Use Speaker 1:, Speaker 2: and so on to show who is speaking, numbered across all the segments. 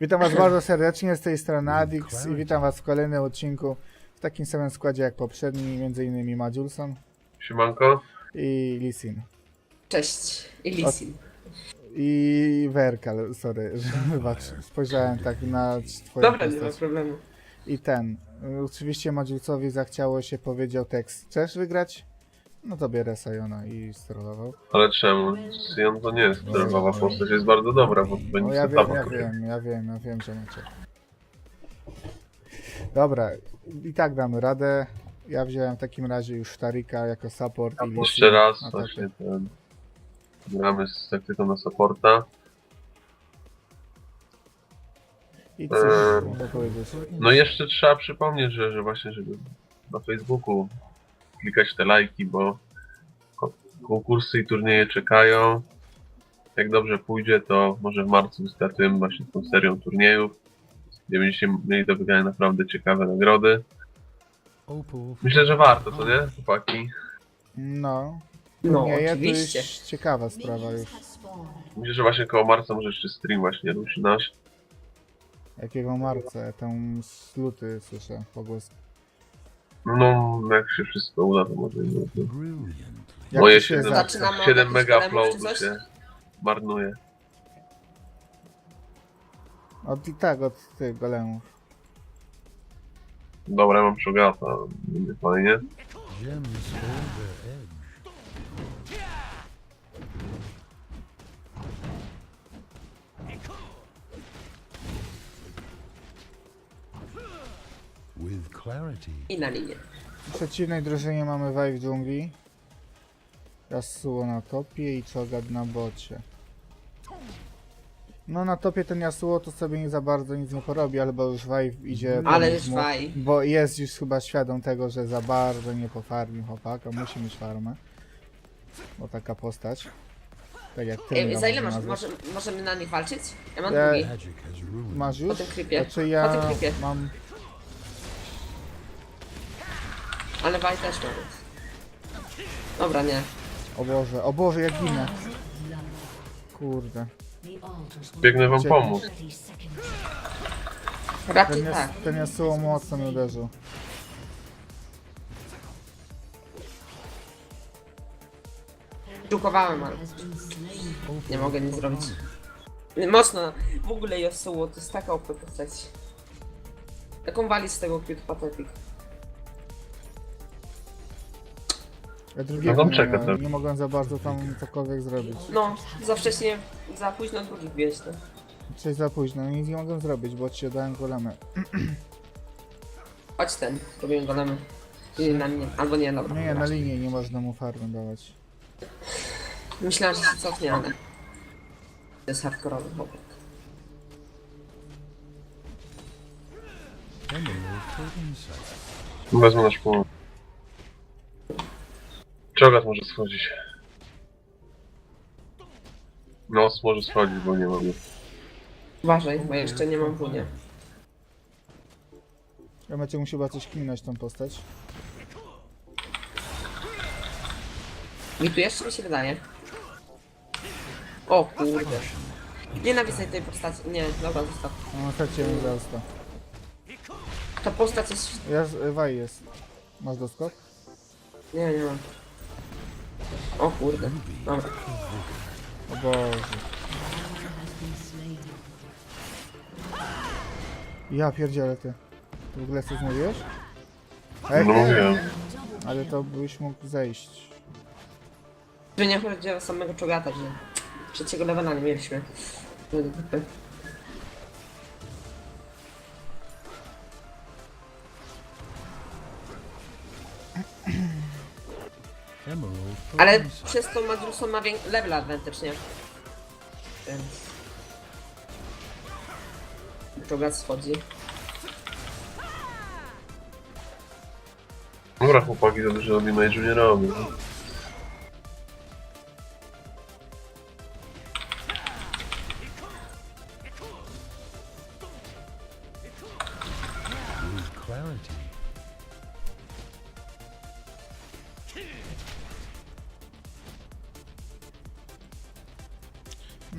Speaker 1: Witam was bardzo serdecznie, z tej strony Adix i witam was w kolejnym odcinku w takim samym składzie jak poprzedni, m.in. Madziulson
Speaker 2: Siemanko.
Speaker 1: i Lisin.
Speaker 3: Cześć, i Lisin.
Speaker 1: I Werkal, sorry, że wybacz, spojrzałem tak na twoją
Speaker 3: Dobra, nie ma
Speaker 1: postać.
Speaker 3: problemu.
Speaker 1: I ten, oczywiście Madziulcowi zachciało się, powiedział tekst, chcesz wygrać? No to bierę Sajona i strollował.
Speaker 2: Ale czemu? Sion to nie jest nerwowa postać, jest bardzo dobra, bo
Speaker 1: No
Speaker 2: będzie
Speaker 1: ja
Speaker 2: setawa.
Speaker 1: wiem, że macie. Dobra, i tak damy radę. Ja wziąłem w takim razie już Tarika jako support i
Speaker 2: Jeszcze raz
Speaker 1: na
Speaker 2: właśnie
Speaker 1: topie.
Speaker 2: ten... Gramy z taktyką na supporta.
Speaker 1: I cóż mogę powiedzieć.
Speaker 2: No i jeszcze trzeba przypomnieć, że właśnie, żeby na Facebooku klikać te lajki, bo konkursy i turnieje czekają. Jak dobrze pójdzie, to może w marcu wystartujemy właśnie tą serią turniejów, gdzie będziecie mieli do wygrania naprawdę ciekawe nagrody. Myślę, że warto, co nie, chłopaki?
Speaker 1: No,
Speaker 3: No,
Speaker 1: nie, to
Speaker 3: oczywiście.
Speaker 1: już ciekawa sprawa już.
Speaker 2: Myślę, że właśnie koło marca może jeszcze stream właśnie ruszy nasz.
Speaker 1: Jakiego marca? Ja tam z luty słyszę pogłoski.
Speaker 2: No, jak się wszystko uda, to może i luty.
Speaker 1: Jak
Speaker 2: Moje
Speaker 1: to się
Speaker 2: 7,
Speaker 1: zacznie?
Speaker 3: Zaczynamy od
Speaker 2: 7
Speaker 3: jakichś
Speaker 2: mega
Speaker 3: problemów, czy
Speaker 2: uploadu
Speaker 3: coś?
Speaker 2: się marnuje.
Speaker 1: Od tych golemów.
Speaker 2: Dobra, ja mam przogata, będzie fajnie.
Speaker 4: Gems hold their edge. With clarity,
Speaker 3: I na linię.
Speaker 1: W przeciwnej drużynie mamy Wave w dżungli. Yasuo na topie i Cho'Gath na bocie. No na topie ten Yasuo to sobie nie za bardzo nic nie porobi, albo już Wave idzie...
Speaker 3: Ale
Speaker 1: pomóc
Speaker 3: już
Speaker 1: mu,
Speaker 3: Wave.
Speaker 1: Bo jest już chyba świadom tego, że za bardzo nie pofarmił chłopaka, musi mieć farmę. Bo taka postać. Tak jak ty.
Speaker 3: Ej, za ile możemy na nich walczyć? Ja mam
Speaker 1: Ja-
Speaker 3: drugi.
Speaker 4: magic has ruined.
Speaker 1: Masz
Speaker 3: Po
Speaker 1: już?
Speaker 3: tym klipie.
Speaker 1: Znaczy
Speaker 3: Po
Speaker 1: ja
Speaker 3: tym klipie.
Speaker 1: mam...
Speaker 3: Ale Waj też ma. Dobra, nie.
Speaker 1: O Boże, jak ginę. Kurde.
Speaker 2: Biegnę wam
Speaker 1: Ucieknij.
Speaker 2: pomóc.
Speaker 3: Raczej tak.
Speaker 1: Ten Yasuo mocno mnie uderzył.
Speaker 3: Drukowałem, ale nie mogę nic zrobić. Mocno. W ogóle Yasuo to jest taka OP postać. Jaką wali z tego Cute Pathetic?
Speaker 1: Ja drugiego
Speaker 2: tam
Speaker 1: nie,
Speaker 2: czeka
Speaker 1: miałem,
Speaker 2: trochę.
Speaker 1: nie mogłem za bardzo tam cokolwiek zrobić.
Speaker 3: No, za wcześnie, za późno drugi wbijać, no.
Speaker 1: Czyli za późno, nic nie mogłem zrobić, bo ci dałem golemy.
Speaker 3: Chodź ten, robimy golemy. I na mnie, albo nie, dobra.
Speaker 1: Nie, na linii nie można mu farmy dawać.
Speaker 3: Myślałem, że się cofnie, ale... To jest hardkorowy chłopak.
Speaker 4: Emerald for insight.
Speaker 2: Wezmę nasz pomoc. Czogat może schodzić. Nos może schodzić, bo nie mogę.
Speaker 3: Uważaj, bo jeszcze nie mam wunia.
Speaker 1: Ja będzie musiał chyba coś kminąć tą postać.
Speaker 3: Mi tu jeszcze mi się wydaje. O kurde. Nienawidzę tej postaci. Nie, dobra, zostaw.
Speaker 1: No traciłem to.
Speaker 3: Ta postać jest...
Speaker 1: Waj jest. Masz doskok?
Speaker 3: Nie, nie mam. O kurde. Dobra.
Speaker 1: O Boże. Ja pierdzielę ty. Ty w ogóle coś mówiłeś? Ej,
Speaker 2: No mówiłem.
Speaker 1: ale to byś mógł zejść.
Speaker 3: Że nie chodzi o samego czogata, że... Trzeciego levela nie mieliśmy.
Speaker 4: Emerald for
Speaker 3: Ale
Speaker 4: insight.
Speaker 3: przez to Madruson ma level advantage, nie? Więc... Czogat schodzi.
Speaker 2: Dobra chłopaki, za dużo robimy i nie robię.
Speaker 4: With clarity,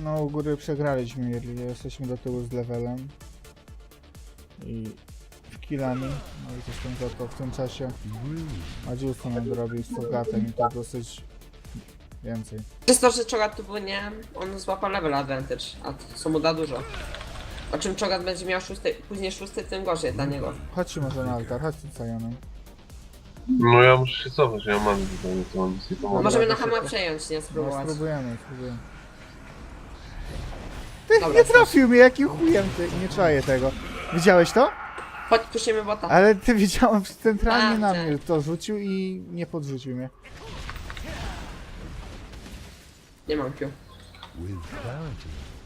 Speaker 1: No u góry przegraliśmy, jesteśmy do tyłu z levelem. I killami. No i zresztą za to w tym czasie Madziusko nam zrobił z Fogatem i to dosyć więcej.
Speaker 3: Przez to, że Chogat tu płynie, on złapał level advantage, a co mu da dużo. O czym Chogat będzie miał później szósty, tym gorzej dla niego.
Speaker 1: Chodźcie może na altar, chodźcie z Sajonem.
Speaker 2: No ja muszę się cofać, ja mam zupełnie to mam nic nie pomogę.
Speaker 3: Możemy na
Speaker 1: to
Speaker 3: Hama
Speaker 1: szybko.
Speaker 3: przejąć, nie
Speaker 1: No,
Speaker 3: spróbować.
Speaker 1: spróbujemy.
Speaker 3: Dobra,
Speaker 1: Nie trafił mnie, jakim chujem ty, nie czaję tego. Widziałeś to?
Speaker 3: Chodź, puścimy bota.
Speaker 1: Ale ty widziałem, że centralnie na
Speaker 3: Tak,
Speaker 1: mnie to rzucił i nie podrzucił mnie.
Speaker 3: Nie mam Q.
Speaker 4: With clarity.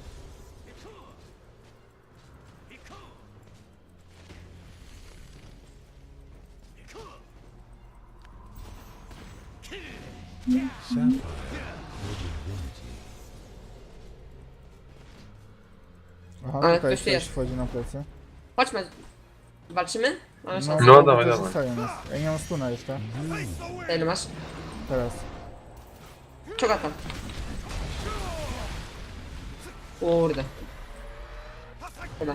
Speaker 4: Sapphire for divinity.
Speaker 1: Aha,
Speaker 3: Ale
Speaker 1: tutaj
Speaker 3: ktoś
Speaker 1: ktoś
Speaker 3: jest.
Speaker 1: wchodzi na plecy.
Speaker 3: Chodźmy. Walczymy? Mamy szansę.
Speaker 2: No,
Speaker 1: bo
Speaker 2: dawaj,
Speaker 1: to
Speaker 2: dawaj.
Speaker 1: zostaje nas. Ja nie mam stuna jeszcze.
Speaker 3: Ile masz?
Speaker 1: Teraz.
Speaker 3: Chogata. Kurde. Dobra.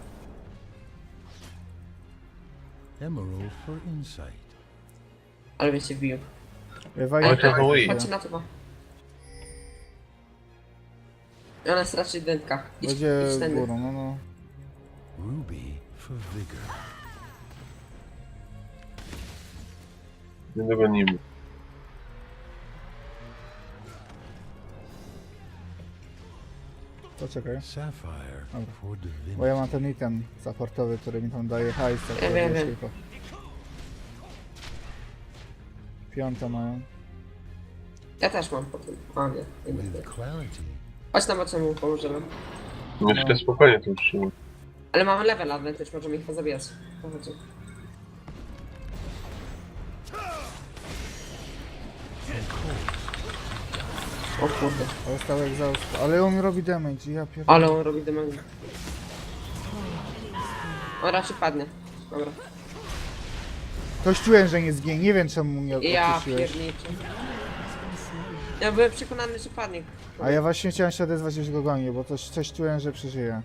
Speaker 4: Emerald for insight.
Speaker 3: Ale mnie się wbił.
Speaker 2: Oj, to Wii.
Speaker 3: Chodźcie na to. Ona jest raczej dętka.
Speaker 1: Będzie
Speaker 3: idź tędy.
Speaker 1: górą, no no.
Speaker 4: Ruby for vigor.
Speaker 2: Nie dogonimy.
Speaker 1: Poczekaj.
Speaker 4: Sapphire
Speaker 1: Dobra.
Speaker 4: for divinity.
Speaker 1: Bo ja mam ten item supportowy, który mi tam daje hajs. tak
Speaker 3: Ja wiem, wiem.
Speaker 1: tylko. Piąta mają.
Speaker 3: Ja też mam po tym. A nie.
Speaker 4: With clarity.
Speaker 3: Chodź na bocie mu pomożemy.
Speaker 2: Myślę spokojnie to utrzymam.
Speaker 3: Ale mamy level advantage, możemy ich pozabijać. Chodźcie. O kurde.
Speaker 1: Ale stał egzaust. Ale on robi damage, ja pierdolę.
Speaker 3: Ale on robi damage. On raczej padnie. Dobra.
Speaker 1: Ktoś czułem, że nie zginie, nie wiem czemu mnie
Speaker 3: Ja
Speaker 1: odpuściłeś.
Speaker 3: pierniczę. Ja byłem przekonany, że padnie.
Speaker 1: A ja właśnie chciałem się odezwać, już go gonię, bo coś czułem, że przeżyje.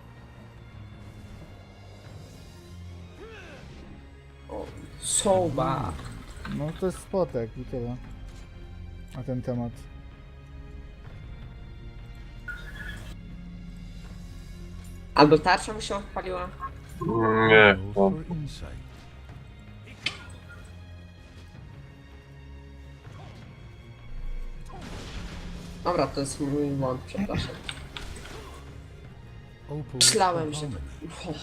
Speaker 3: O, soba.
Speaker 1: No to jest spotek i tyle. Na ten temat.
Speaker 3: Albo tarcza mu się odpaliła.
Speaker 2: Nie,
Speaker 4: Emerald
Speaker 2: to
Speaker 4: for insight.
Speaker 3: Dobra, to jest mój błąd, przepraszam.
Speaker 4: Opal
Speaker 3: Myślałem,
Speaker 4: for
Speaker 3: że...
Speaker 4: harmony.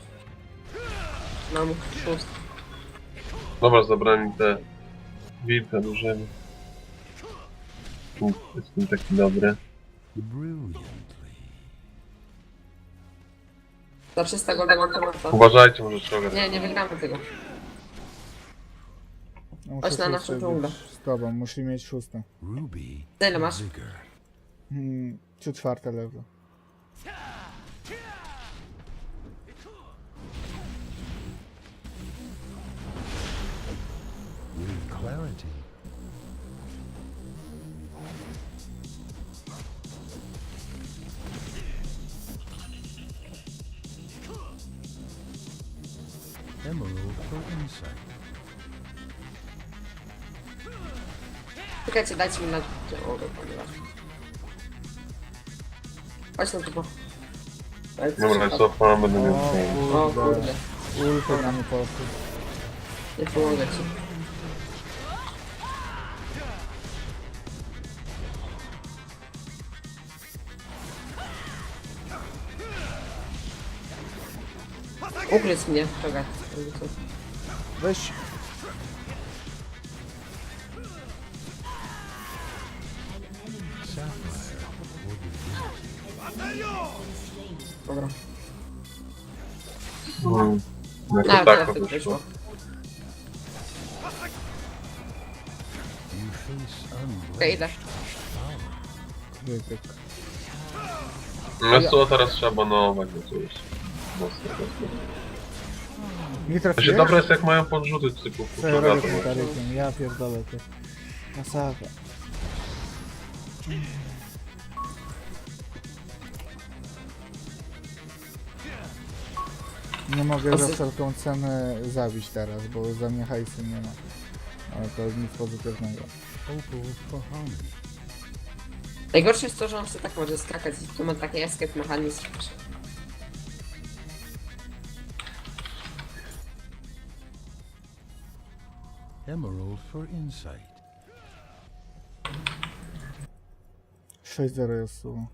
Speaker 3: Mam szóst.
Speaker 2: dobra, zabrali te wilka dużymi. Jestem taki dobry.
Speaker 4: Brilliantly.
Speaker 3: Za 300 golda mam temata.
Speaker 2: Uważajcie, może trzeba.
Speaker 3: Nie wygramy tego.
Speaker 1: Ja
Speaker 3: Chodź na
Speaker 1: muszę
Speaker 3: naszą
Speaker 1: szósty
Speaker 3: dżunglę.
Speaker 1: być z tobą, musi mieć szóste.
Speaker 4: Ruby
Speaker 3: Za ile
Speaker 4: for
Speaker 3: masz?
Speaker 4: vigor.
Speaker 1: Czy czwarte level.
Speaker 4: With clarity. Emerald for insight.
Speaker 3: Czekajcie, dajcie mi na... O, ponieważ... Chodź na to.
Speaker 2: Dobra, cofam, będę miał
Speaker 1: O
Speaker 2: ten.
Speaker 3: O
Speaker 1: kurde.
Speaker 3: kurde,
Speaker 1: Ulty na mnie poszły.
Speaker 3: nie pomogę ci. Ugryz mnie, czekaj.
Speaker 1: Weź.
Speaker 4: Sapphire for divinity.
Speaker 3: Dobra.
Speaker 2: Jako
Speaker 3: No,
Speaker 2: tak
Speaker 3: teraz
Speaker 2: to
Speaker 3: to
Speaker 2: wyszło.
Speaker 3: wyszło.
Speaker 4: You face
Speaker 3: Okej,
Speaker 4: unblemished
Speaker 3: idę.
Speaker 1: Krytyk.
Speaker 2: No co teraz trzeba banować, bo to jest mocno.
Speaker 1: Nie
Speaker 2: To się
Speaker 1: trafiłeś?
Speaker 2: dobre jest jak mają podrzuty typu
Speaker 1: Co ja robię
Speaker 2: Fugata
Speaker 1: tym
Speaker 2: właśnie.
Speaker 1: tarykiem? Ja pierdolę to. Masakra. Nie mogę za
Speaker 3: Pozy-
Speaker 1: wszelką cenę zabić teraz, bo za mnie hajsu nie ma. Ale to nic pozytywnego.
Speaker 4: Opal for harmony.
Speaker 3: Najgorsze jest to, że on sobie tak może skakać i tu ma taki escape mechanizm.
Speaker 4: Emerald for insight.
Speaker 1: 6-0 jest tu.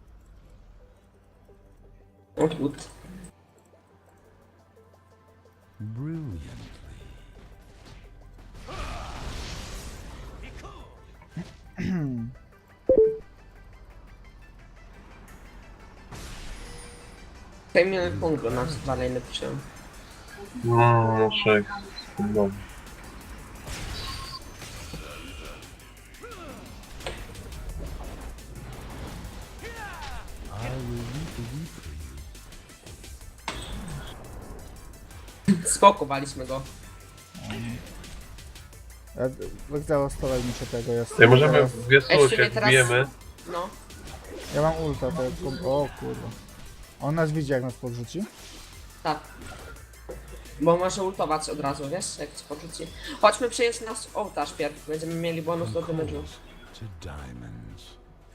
Speaker 3: Odwód.
Speaker 4: Brilliantly.
Speaker 3: Przejmiemy punkt, bo nas dwa najlepszy.
Speaker 2: No, 6. No.
Speaker 4: I will reap the wheat for you.
Speaker 3: Spokowaliśmy go.
Speaker 1: Wygzałostowaj mi się tego, jest.
Speaker 2: Ja możemy
Speaker 1: teraz.
Speaker 2: w wiesło
Speaker 3: Jeszcze
Speaker 2: się
Speaker 3: mnie teraz-
Speaker 2: wbijemy.
Speaker 3: No.
Speaker 1: Ja mam ulta, to jest... O kurwa. On nas widzi, jak nas podrzuci?
Speaker 3: Tak. Bo może ultować od razu, wiesz, jak ci porzuci. Chodźmy przejąć nasz ołtarz pierw, będziemy mieli bonus do
Speaker 4: From
Speaker 3: damage'u.
Speaker 4: coals to diamonds.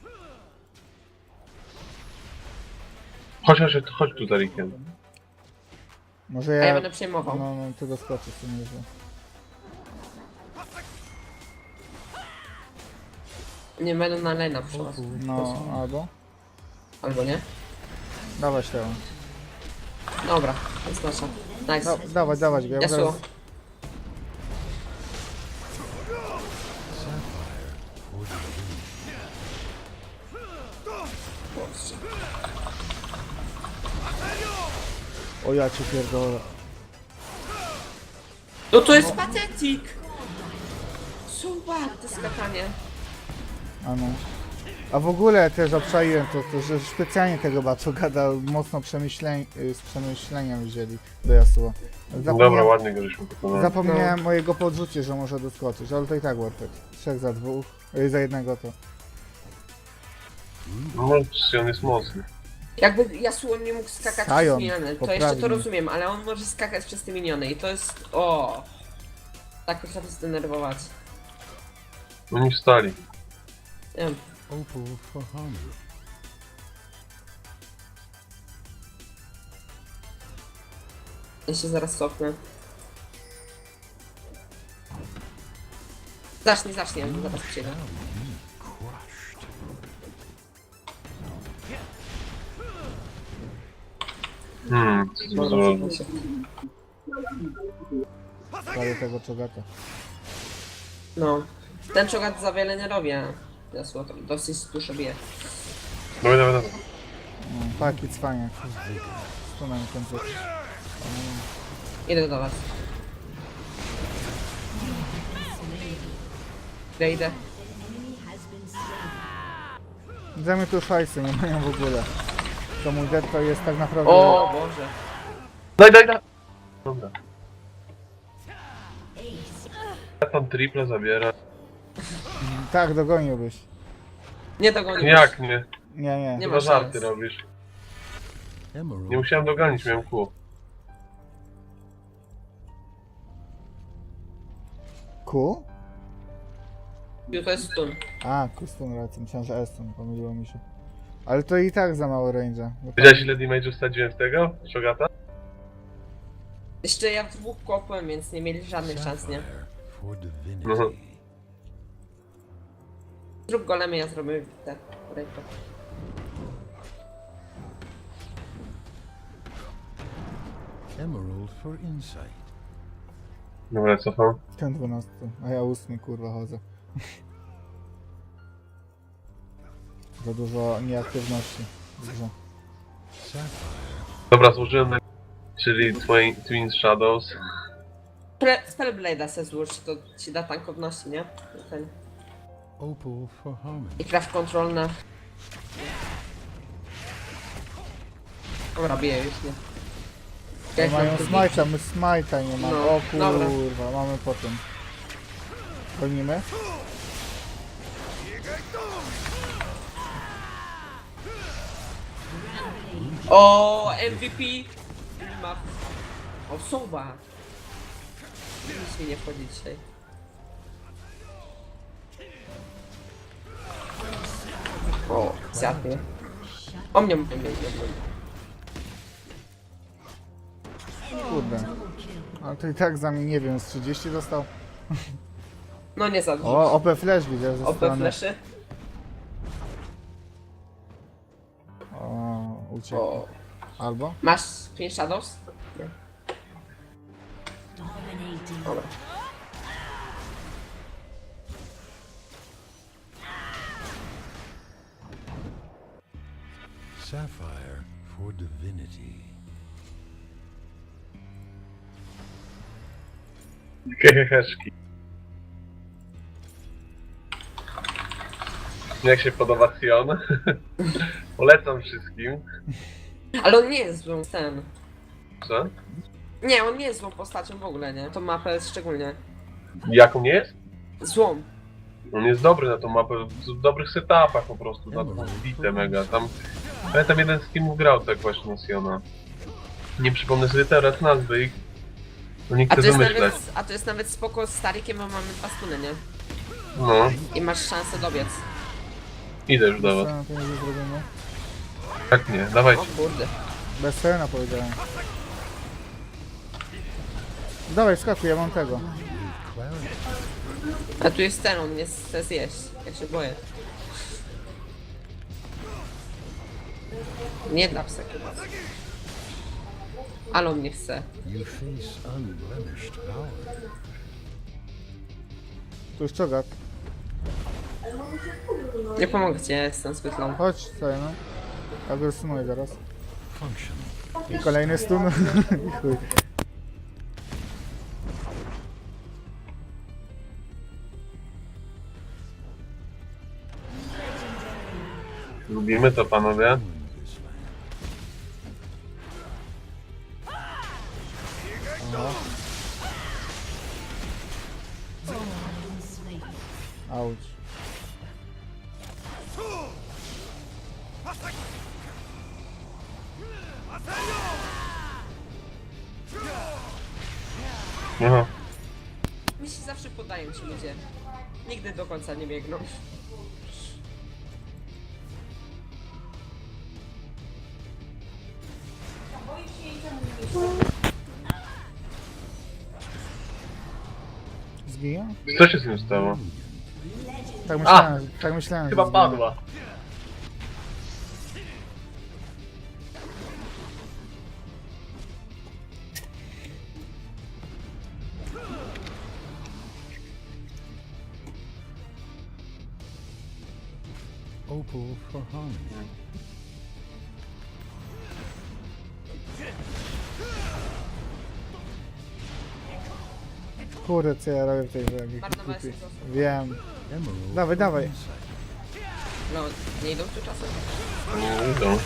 Speaker 2: Chodź tu, Tarikiem.
Speaker 1: Może
Speaker 3: A ja
Speaker 1: ja...
Speaker 3: będę przejmował.
Speaker 1: No, ty doskoczysz, to nie źle.
Speaker 3: Nie będę na lane'a przyszła.
Speaker 1: No,
Speaker 3: Albo nie?
Speaker 1: dawać tego.
Speaker 3: Dobra, to jest nasza. Nice.
Speaker 1: Dawać go, ja
Speaker 3: Yasuo.
Speaker 1: zaraz...
Speaker 4: Sapphire for divinity.
Speaker 1: O ja cię pierdolę.
Speaker 3: No to jest patetik! Super, to skakanie.
Speaker 1: A no. A w ogóle też obczaiłem to, że specjalnie tego Baczu gada mocno z przemyśleniem wzięli do Yasuo.
Speaker 2: Dobra, ładnie go żeśmy pokonali.
Speaker 1: Zapomniałem o jego podrzucie, że może doskoczyć, ale to i tak worth it. 3 za 2, za jednego to.
Speaker 2: No, on jest mocny.
Speaker 3: Jakby Yasuo nie mógł skakać
Speaker 1: Sion,
Speaker 3: przez miniony, to jeszcze
Speaker 1: poprawnie.
Speaker 3: to rozumiem, ale on może skakać przez te miniony i to jest... O, tak potrafi zdenerwować.
Speaker 2: Oni wstali.
Speaker 3: Nie wiem.
Speaker 4: Opal for harmony.
Speaker 3: Ja się zaraz cofnę. Zacznie, zaraz przyjdę.
Speaker 4: Crushed.
Speaker 2: Co tu
Speaker 3: Dobra,
Speaker 2: zrobić?
Speaker 3: cofnę się.
Speaker 1: Prawie tego czogata.
Speaker 3: No. Ten czogat za wiele nie robi, a Yasuo to dosyć dużo bije.
Speaker 2: Dawaj.
Speaker 1: Paki cwania. Stunam końcu.
Speaker 3: Idę do was. Idę.
Speaker 1: Zajmę tu szajsy, nie mają w ogóle. To mój dead to jest tak naprawdę...
Speaker 3: O Boże.
Speaker 2: Daj! Dobra. Ja tam triple zabiera.
Speaker 1: Tak, dogoniłbyś.
Speaker 3: Nie dogonił.
Speaker 2: Jak nie?
Speaker 1: Nie.
Speaker 3: Nie
Speaker 2: Chyba
Speaker 3: ma
Speaker 2: żarty
Speaker 3: szans.
Speaker 2: robisz.
Speaker 4: Emerald.
Speaker 2: Nie musiałem dogonić, miałem kół.
Speaker 1: Ku?
Speaker 3: To jest stun.
Speaker 1: A, Kustun racja, myślałem, że Estun, pomyliło mi się. Ale to i tak za mało range'a. bo
Speaker 2: Wiedziałeś ile damage'u wsadziłem w tego? Shogata?
Speaker 3: Jeszcze ja w dwóch kopłem, więc nie mieli żadnych szans, nie?
Speaker 4: Sapphire for divinity.
Speaker 2: Mhm.
Speaker 3: Zrób golemy, ja zrobię te rejko.
Speaker 4: Emerald for insight.
Speaker 2: Dobra, cofam.
Speaker 1: Ten 12, a ja 8 kurwa chodzę. Za dużo nieaktywności w grze.
Speaker 4: Sapphire.
Speaker 2: Dobra, złożyłem na... Czyli Twin Shadows.
Speaker 3: Spellblade'a se złóż, to ci da tankowności, nie? Ten.
Speaker 4: Opal for harmony.
Speaker 3: I craft control na... Dobra, biję już, nie?
Speaker 1: No mają smajta, my smajta nie mamy.
Speaker 3: No,
Speaker 1: O
Speaker 3: dobra.
Speaker 1: kurwa, mamy potem. Gonimy?
Speaker 3: O, MVP! Ma Osoba! Nic mi nie wchodzi dzisiaj. O, zjadł mnie. O mnie.
Speaker 1: Kurde. Ale to i tak za mnie, nie wiem, z 30 dostał.
Speaker 3: No nie za dużo.
Speaker 1: O, OP Flash widzę ze
Speaker 3: OP
Speaker 1: strony.
Speaker 3: fleszy.
Speaker 1: O, uciekł.
Speaker 3: O.
Speaker 1: Albo?
Speaker 3: Masz 5 shadows? Nie. Dobra.
Speaker 4: Sapphire for divinity.
Speaker 2: Heheszki. Jak się podoba Sion? Polecam wszystkim.
Speaker 3: Ale on nie jest złą ten.
Speaker 2: Co?
Speaker 3: Nie, on nie jest złą postacią w ogóle, nie? Tą mapę szczególnie.
Speaker 2: Jaką nie jest?
Speaker 3: Złą.
Speaker 2: On jest dobry na tą mapę, w dobrych setupach po prostu, na tą bitę mega. Tam, pamiętam jeden z teamów grał tak właśnie na Siona. Nie przypomnę sobie teraz nazwy ich. No nie chcę wymyślać.
Speaker 3: A to jest nawet spoko z Starikiem, bo mamy 2 stuny, nie?
Speaker 2: No,
Speaker 3: I masz szansę dobiec.
Speaker 2: idę już do
Speaker 1: Co
Speaker 2: was.
Speaker 1: na to nie zrobimy?
Speaker 2: Tak nie, dawajcie.
Speaker 3: O kurde.
Speaker 1: Bez Serena powiedziałem. Dawaj, skakuj, ja mam tego.
Speaker 4: Clarity.
Speaker 3: A tu jest ten, on mnie chce zjeść. Ja się boję. Nie da psa chyba. Ale on mnie chce.
Speaker 4: You face unblemished power.
Speaker 1: Tu już czogat.
Speaker 3: Nie pomogę ci, ja jestem zbyt low.
Speaker 1: Chodź, Serena. Ja go stunuję zaraz.
Speaker 4: Functional.
Speaker 1: I kolejny stun. I chuj.
Speaker 2: Lubimy to panowie.
Speaker 4: In this land.
Speaker 1: Aha. Auć.
Speaker 2: Aha.
Speaker 3: Mi się zawsze podają ci ludzie. Nigdy do końca nie biegną.
Speaker 1: Zginie?
Speaker 2: Co się z nim stało?
Speaker 1: Tak myślałem,
Speaker 2: Chyba
Speaker 1: że zginie.
Speaker 2: padła.
Speaker 4: Opal for harmony.
Speaker 1: Kurde, co ja robię w tej grze? jaki
Speaker 3: Marnowałeś
Speaker 1: głupi.
Speaker 3: czas.
Speaker 1: Wiem.
Speaker 4: Emerald
Speaker 1: Dawaj,
Speaker 4: for
Speaker 1: dawaj.
Speaker 4: insight.
Speaker 3: No, nie idą tu czasem.
Speaker 2: Nie idą.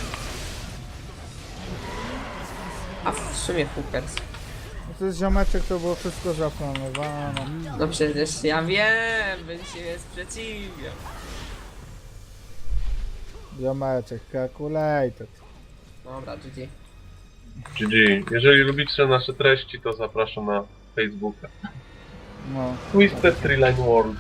Speaker 3: A w sumie hookers.
Speaker 1: No to jest ziomeczek, to było wszystko zaplanowane.
Speaker 3: No przecież ja wiem, będzie się sprzeciwiał.
Speaker 1: Ziomeczek, calculated.
Speaker 3: Dobra, GG.
Speaker 2: GG. Jeżeli lubicie nasze treści, to zapraszam na Facebooka.
Speaker 1: No.
Speaker 2: Twisted Tree Line World.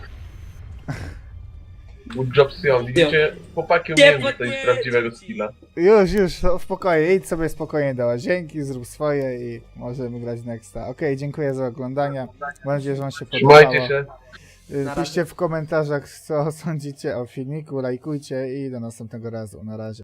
Speaker 2: Good job, Sion. Widzicie, chłopaki umieją dostać prawdziwego skilla.
Speaker 1: Już, spokojnie, idź sobie spokojnie do łazienki, zrób swoje i możemy grać nexta. Okej, dziękuję za oglądanie. Mam nadzieję, że wam się podobało.
Speaker 2: Trzymajcie się.
Speaker 1: Piszcie w komentarzach, co sądzicie o filmiku, lajkujcie i do następnego razu. Na razie.